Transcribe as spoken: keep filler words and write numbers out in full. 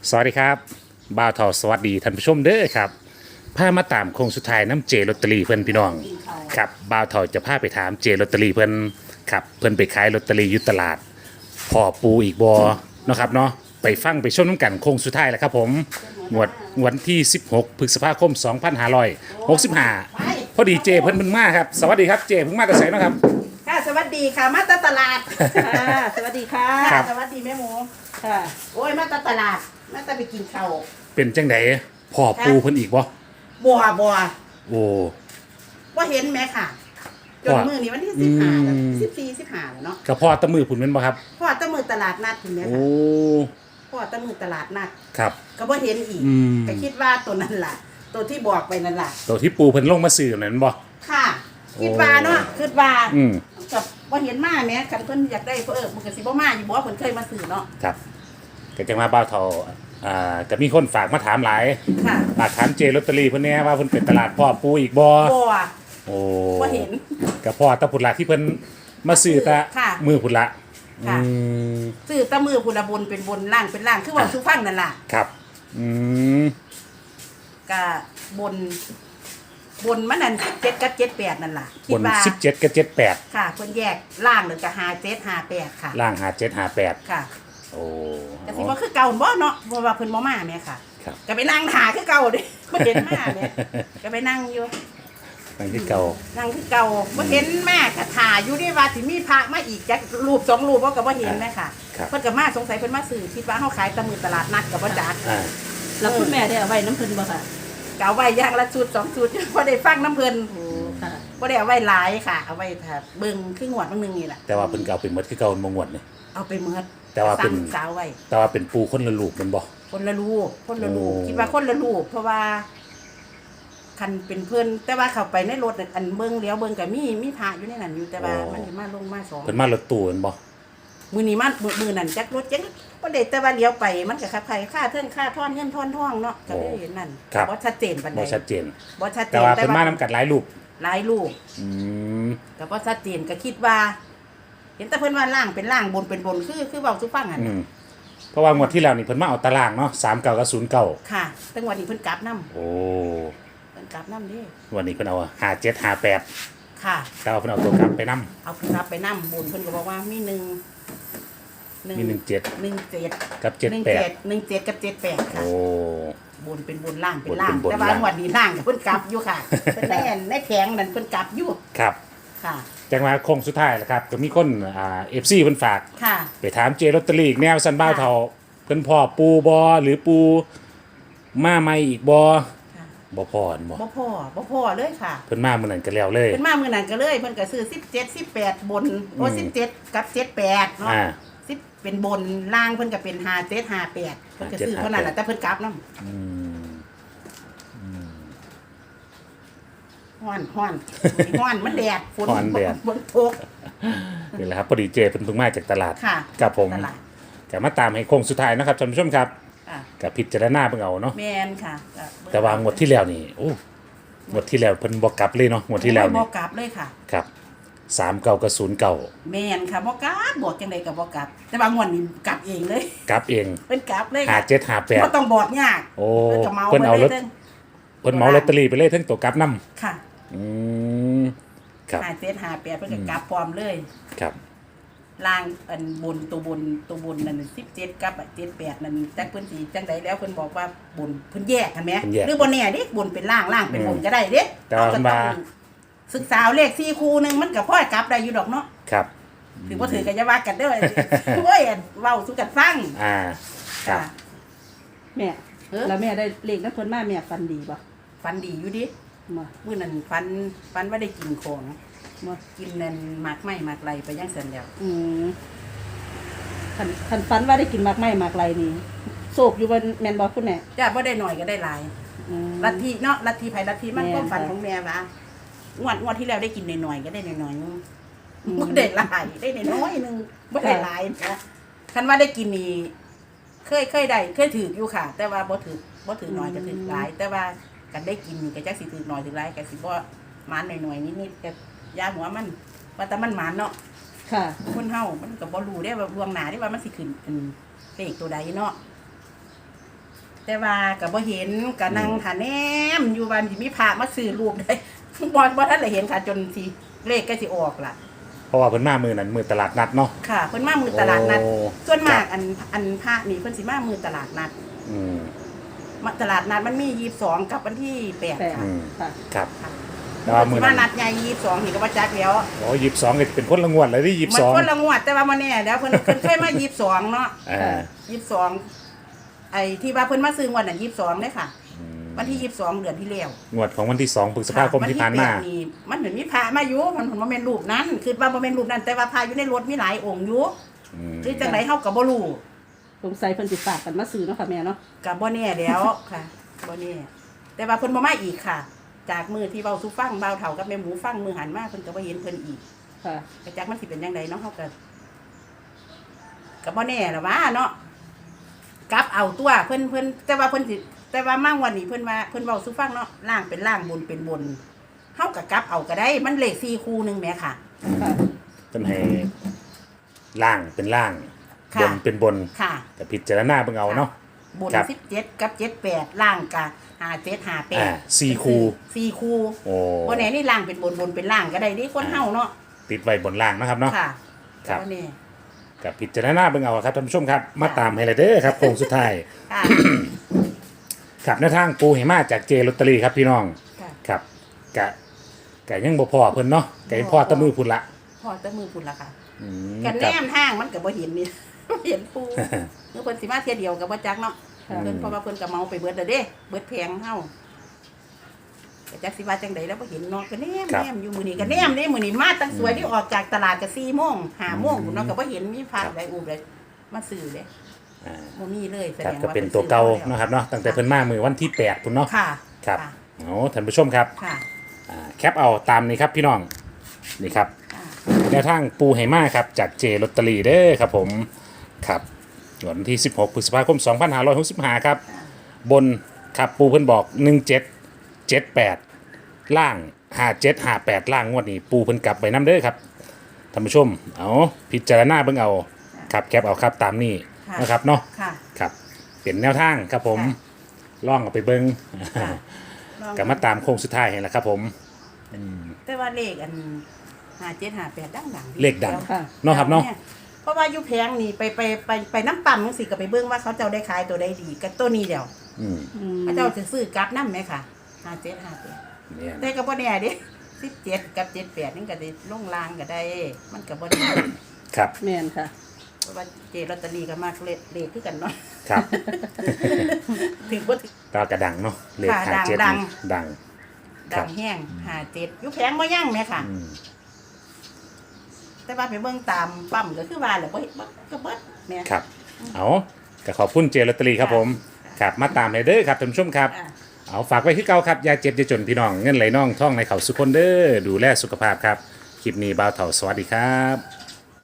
สวัสดีครับบ่าวทอสวัสดีท่านผู้ชมเด้อครับพามาตามโค้งสุดท้ายน้ำเจลอตเตอรี่เพื่อนพี่น้องครับบ่าวทอจะพาไปถามเจลอตเตอรี่เพื่อนครับเพื่อนไปขายลอตเตอรี่อยุตลาดพอปูอีกบอเนาะครับเนาะไปฟังไปชมน้ำกันโค้งสุดท้ายแล้วครับผมงวดวันที่สิบหกพฤษภาคมสองพันห้าร้อยหกสิบห้าพอดีเจเพิ่นเพิ่งมาครับสวัสดีครับเจเพิ่งมาแต่ไสเนาะครับค่ะสวัสดีค่ะมาตาตลาดค่ะสวัสดีค่ะครับสวัสดีแม่หมูค่ะโอ้ยมาตาตลาดมาตาไปกินข้าวเป็นจังไดพอปูเพิ่นอีกบ่บัวบัวโอ้ว่าเห็นไหมค่ะจนว่ามือนี้วันที่สิบห้าแล้วอืมสิบสี่สิบห้าแล้วเนาะกระเพาะตะมือพุ่นแม่นบ่ครับพ่อตะมือตลาดนัดคุณแม่โอ้ค่ะพ่อตะมือตลาดนัดครับก็บ่เห็นอีกอืมก็คิดว่าตัวนั้นล่ะ ตัวที่บอกไปนั่นล่ะตัวที่ปูเพิ่นลงมาซื้อนั่นบ่ค่ะ คิดว่าเนาะคิดว่าอืมกับว่าเห็นมาแหม่คันเพิ่นอยากได้เพิ่นเออมันก็สิบ่มาอยู่บ่เพิ่นเคยมาซื้อเนาะครับก็จังมาบ้าวเทาอ่าก็มีคนฝากมาถามหลายค่ะฝากถามเจลอตเตอรี่เพิ่นแหน่ว่าเพิ่นเป็นตลาดพ่อปูอีกบ่บัวโอ้บ่เห็นก็พ่อตะพุดละที่เพิ่นมาซื้อตะค่ะมือพุดละค่ะอืมซื้อแตะมือพุนละบนเป็นบนล่างเป็นล่างคือว่าสุฟังนั่นล่ะครับอืมก็บน บนมันนั่นเจ็ดกับเจ็ดแปดนั่นล่ะคิบดนว่าสิบเจ็ดกับเจ็ดแปดค่ะเพิ่นแยกล่างหรือก็หาเจ็ดหาแปดค่ะล่างหาเจ็ดหาแปดค่ะโอ้ก็สิบ่คือเก่าบ่เนาะเพราะว่าเพิ่นบ่มาแม่ค่ะครับก็ไปนั่งหาคือเก่าเด้ บ่เห็นมาแม่ก็ไปนั่งอยู่นั่นคือเก่านั่งคือเก่าบ่เห็นแม่ก็ถ่าอยู่นี่ว่าสิมีพระมาอีกจักรูปสองรูปบ่ก็บ่เห็นแม่ค่ะครับเพิ่นก็มาสงสัยเพิ่นมาซื้อคิดว่าเฮาขายตะมือตลาดนัดก็บ่จักอ่าแล้วคุณแม่ได้เอาไว้น้ำเพิ่นบ่ค่ะก็เอาไว้อย่างละชุดสองชุด บ่ได้ฟังน้ำเพิ่นโอ้ค่ะบ่ได้เอาไว้หลายค่ะ เอาไว้ถ้าเบิ่งคืองวดบางนึงนี่แหละแต่ว่าเพิ่นก็เอาเป็นหมดคือเก่าบ่งวดนี่เอาไปเมิดแต่ว่าเป็นสั่งสาวไว้แต่ว่าเป็นปูคนละลูกแมันบ่คนละลูกคนละลูกโอ้คิดว่าคนละลูกเพราะว่าคันเป็นเพิ่นแต่ว่าเข้าไปในรถน่ะอันเบิ่งเลี้ยวเบิ่งก็มีมีพระอยู่ในนั้นอยู่แต่ว่ามันสิมาลงมาสองเพิ่นมารถตู้แมันบ่มื้อนี้มามื้อมื้อนั้นจักรถจักบ่ได้แต่ว่าเลี้ยวไปมันก็ขับไผค่าเทิงค่าทอนเงินทอนทองเนาะก็เลยเห็นนั่นบ่ชัดเจนปานใดบ่ชัดเจนบ่ชัดเจแต่นว่าเพิ่นมานํกันหลายลูกหลายลูกอืมก็บ่ชัดเจนก็คิดว่า เห็นแต่เพิ่นว่าล่างเป็นล่างบนเป็นบนคือคือเว้าสู่ฟังหั่นอืมเพราะว่างวดที่แล้วนี่เพิ่นมาเอาตารางเนาะสามเก้ากับศูนย์เก้าค่ะแต่วันนี้เพิ่นกลับนํโอ้เพิ่นกลับนํเด้วันนี้เพิ่นเอาห้าเจ็ดห้าแปดค่ะแต่ว่าเพิ่นเอาตัวกลับไปนํเอาเพิ่นกลับไปนํบุญเพิ่นก็บอกว่ามีหนึ่งมีหนึ่งเจ็ดหนึ่งเจ็ดกับเจ็ดหนึ่งแปดเจ็ดหนึ่งเจ็ดกับเจ็ดแปดค่ะโอ้บุญเป็นบุญล่างเป็นล่างบุญเป็นบุญแต่ว่าล่างวันนี้ล่างกับเพิ่นกลับอยู่ค่ะเพิ่นได้อันได้แผงนั่นเพิ่นกลับอยู่ครับค่ะจังมาโค้งสุดท้ายแล้วครับก็มีคนอ่า เอฟ ซี เพิ่นฝากค่ะไปถามเจลอตเตอรี่อีกแนวสันบ้าวเฒ่าเพิ่นพ่อปูบ่หรือปูมาใหม่อีกบ่ค่ะบ่พออันบ่บ่พอบ่พอเลยค่ะเพิ่นมามื้อนั้นก็แล้วเลยเพิ่นมามื้อนั้นก็เลยเพิ่นก็ซื้อสิบเจ็ด สิบแปดบนโอ้อืมสิบเจ็ดกับเจ็ดแปดเนาะอ่าสิบเป็นบนล่างเพิ่นก็เป็นห้าเจ็ดห้าแปดเพิ่นก็ซื้อห้าเจ็ดเท่านั้นแหละแต่เพิ่นกลับนำอืมฮ้อนฮ้อนฮ้อนมันแดดฝนฮ้อนแดดฝนตกนี่แหละครับพอดีเจเพิ่นเพิ่งมาจากตลาดค่ะกับผมตลาดก็มาตามให้โค้งสุดท้ายนะครับท่านผู้ชมครับอ่ะก็พิจารณาเบิ่งเอาเนาะแมนค่ะก็เบิ่แต่ว่างวดที่แล้วนี่โอ้งวดที่แล้วเพิ่นบ่กลับเลยเนาะงวดที่แล้วบ่นี่กลับเลยค่ะครับสามเก้ากับศูนย์เก้าแมนค่ะบ่กลับบอกจังไดก็บ่กลับ แต่บางวันนี่กลับเองเลยกลับเองเพิ่นกลับเลยห้าค่ะเจ็ดห้าแปดบ่ต้องบอกยากโอ้เพิ่นก็เมาเพิ่นเอารถไปลยเพิ่นเหมาลอตเตอรี่ไปเลยทั้งตัวกลับนํค่ะอืมครับห้าเจ็ดห้าแปดเพิ่นก็กลับพร้อมเลยครับล่างอันบนตัวบนตัวบนนั่นสิบเจ็ดกับเจ็ดแปดนั่นจักเพิ่นสิจังไดแล้วเพิ่นบอกว่าบนเพิ่นแยกกันแหมเพิ่นแยกหรือบ่แน่เด้บนเป็นล่างล่างเป็นบนก็ได้เด้แต่ว่าเอก็มาต้องศึกษาเลขสี่คู่หนึงมันก็พอกลับได้อยู่ดอกเนาะครับถือว่าถือกันจะว่ากันเด้อ โอ้ยเว้าสู่กันฟังอ่าครับแม่เออแล้วแม่ได้เลขน้ำเพิ่นมาแม่ฟันดีบ่ฟันดีอยู่ดิมามื้อนั้นฟันฟันว่าได้กินของมากินนั่นหมากไม้หมากไรไปยังเสร็จแล้วอืมคันคันฟันว่าได้กินหมากไม้หมากไรนี่โศกอยู่บนแม่นบ่คุณแม่จ้าบ่ได้หน่อยก็ได้หลายอืมลัทธิเนาะลัทธิไผลัทธิมันแม่นความฝันค่ะของแม่ว่างวดงวดที่แล้วได้กินหน่อยๆก็ได้หน่อยๆนึงอืมบ่ได้หลายได้น้อยๆนึงบ่ได้หลายนะคันว่าได้กินนี่เคยเคยได้เคยถืออยู่ค่ะ แต่ว่าบ่ถือบ่ถือน้อยก็ถือหลาย แต่ว่ากันได้กินนี่ก็จักสิถือน้อยถือหลายก็สิบ่หมานหน่อยๆนิดๆก็ยาหัวมันว่าแต่มันหมานเนาะค่ะคนเฮามันก็บ่รู้ได้ว่าล่วงหน้าได้ว่ามันสิขึ้นเป็นเลขตัวใดเนาะแต่ว่าก็บ่เห็นก็นั่งท่าแนมอยู่วันสิมีพระมาซื้อรูปได้ บ่บ่ทันได้เห็นค่ะจนสิเลขก็สิออกล่ะเพราะว่าเพิ่นมามือนั้นมือตลาดนัดเนาะค่ะเพิ่นมามือตลาดนัดโอ้ส่วนมากครับอันอันพระนี่เพิ่นสิมามือตลาดนัดอืมมาตลาดนัดมันมียี่สิบสองกับวันที่แปดแปดค่ะอืมค่ะครับค่ะแต่ว่ามือมานั้นนัดใหญ่ยี่สิบสองนี่ก็บ่จักแล้วโอ้ยี่สิบสองก็เป็นคนละงวดเลยที่ยี่สิมับสองคนละงวดแต่ว่าบ่แน่เดี๋ยวเพิ่นเพิ่นเคยมายี่สิบสองเนาะอ่ายี่สิบสองไอ้ที่ว่าเพิ่นมาซื้องวดน่ะยี่สิบสองเด้ค่ะอืมวันที่ยี่สิบสองเดือนที่แล้วงวดของวันที่สองพฤษภาคมที่ผ่านมาวันที่แปดนี่มันเหมือนมีพระมาอยู่มันผมว่าเป็นรูปนั้น คือว่าบ่เป็นรูปนั้น แต่ว่าพระอยู่ในรถมีหลายองค์อยู่อืมหรือจังไดเฮาก็บ่รู้สงสัยเพิ่นสิฝากกันมาซื้อเนาะค่ะแม่เนาะก็บ่แน่แล้วค่ะบ่แน่แต่ว่าเพิ่นบ่มาอีกค่ะ จากมือที่เว้าสู่ฟังเบาเฒ่ากับแม่หมูฟังมือหันมาเพิ่นก็บ่เห็นเพิ่นอีกค่ะก็จักมันสิเป็นจังไดเนาะเฮาก็ก็บ่แน่ล่ะว่าเนาะกลับเอาตัวเพิ่นเพิ่นแต่ว่าเพิ่นสิแต่ว่ามาวันนี้เพิ่นว่าเพิ่นเว้าสู่ฟังเนาะล่างเป็นล่างบนเป็นบนเฮาก็กลับเอาก็ได้มันเลขสี่คู่หนึงแหมค่ะค่ะเพิ่นให้ล่างเป็นล่างค่ะบนเป็นบนค่ะแต่พิจารณาเบิ่งเอาเนาะบนครับสิบเจ็ดกับเจ็ดแปดล่างกับหาเจ็ดหาแปอ่าดสี่คู่สี่คู่โอ้บนไหนนี่ล่างเป็นบนบนเป็นล่างก็ได้ดิคนเฮาเนาะติดไว้บนล่างนะครับเนาะค่ะครับก็นี่กับพิจารณาเบิ่งเอาครับท่านผู้ชมครับ มาตามให้เลยเด้อครับโค้งสุดท้ายค่ะครับในทางปูเหมาจากเจลอตเตอรี่ครับพี่น้องค่ะครับกะกะยังบ่พอเพิ่นเนาะกะยังพอแตะมือพุ่นละพอแตะมือพุ่นละค่ะอืมกันคแนรับมทางมันก็บ่เห็นนี่ เห็นปูเมื่อเพิ่นสิมาเที่ยเดียวก็บ่จักเนาะค่ะเพิ่นเพราะว่าเพิ่นก็เมาไปเบิดแล้วเด้เบิดแพงเฮาก็จักสิว่าจังไดแล้วบ่เห็นเนาะก็แนมครับแนมอยู่มื้อนี้ก็แนมนี่มื้อนี้มาตั้งสวยที่ออกจากตลาดก็สี่โมงห้าโมงพุ่นเนาะก็บ่เห็นมีพระใดอูบเลยมาซื้อเด้อ่าบ่มีเลยแสคดรับงก็ว่าเป็นพิ่ตัวเก่าซื้อมแล้วเนาะครับเนาะตั้งแต่เพิ่นมามือวันที่แปดพุ่นเนาะค่ะครับะเอาท่านผู้ชมครับค่ะอ่าแคปเอาตามนี้ครับพี่น้องนี่ครับค่ะแนวทางปูไหมาครับจากเจลอตเตอรี่เด้อครับผมครับวันที่สิบหกพฤษภาคมสองพันห้าร้อยหกสิบห้าครับ บนครับปูเพิ่นบอกหนึ่งเจ็ดเจ็ดแปดล่างห้าเจ็ดห้าแปดล่างงวดนี้ปูเพิ่นกลับไปน้ำเด้อครับท่านผู้ชมเอาพิจารณาเบิ่งเอาครับแคปเอาครับตามนี้ค่ะนะครับเนาะค่ะครับเป็นแนวทางครับผมค่ะล่องเอาไปเบิ่งค่ะลองกลับมาตามโค้งสุดท้ายเห็นแหละครับผมแต่ว่าเลขอันห้าเจ็ดห้าแปดดังดังเลขดังค่ะเนาะครับเนาะเพราะว่าอยู่แพงนี่ไปไปไปไปน้ำปั่มจังสิก็ไปเบิ่งว่าเขาเจ้าได้ขายตัวใดดีกับตัวนี้เดียวอืมอืมเขาเจ้าจะซื้อกลับน้ำไหมค่ะห้าเจ็ดห้าแปดเนี่ยแต่ก็บ่แน่เดิสิบเจ็ดกับเจ็ดแปดนี่ก็ได้ลงลางก็ได้ มันก็บ่แน่ครับแม่นค่ะเพราะว่าเจลอตเตอรี่ก็มากเลขเลขคือกันเนาะครับถึงบ่ถึงตากระดังเนาะเลขค่ะห้าเจ็ดดังดัง ครัดับงแห้งห้าเจ็ดอยู่แพงบ่ยั่งแม่ค่ะอืมแต่ว่าไปเบิ่งตามปั๊มก็คือว่าแหละบ่เห็นบ่ก็เบิดแม่ครับ เอาก็ขอบคุณเจลอตเตอรี่ครับผมค่ะครับ มาตามเลยเด้อครับท่านผู้ชมครับอ่ะเอาฝากไว้ที่เก่าครับอยาเจ็บอยาจนพี่น้อง เงินไหลน่องท่องในเขาสุขคนเด้อ ดูแลสุขภาพครับ คลิปนี้บ่าวเถ่าสวัสดีครับ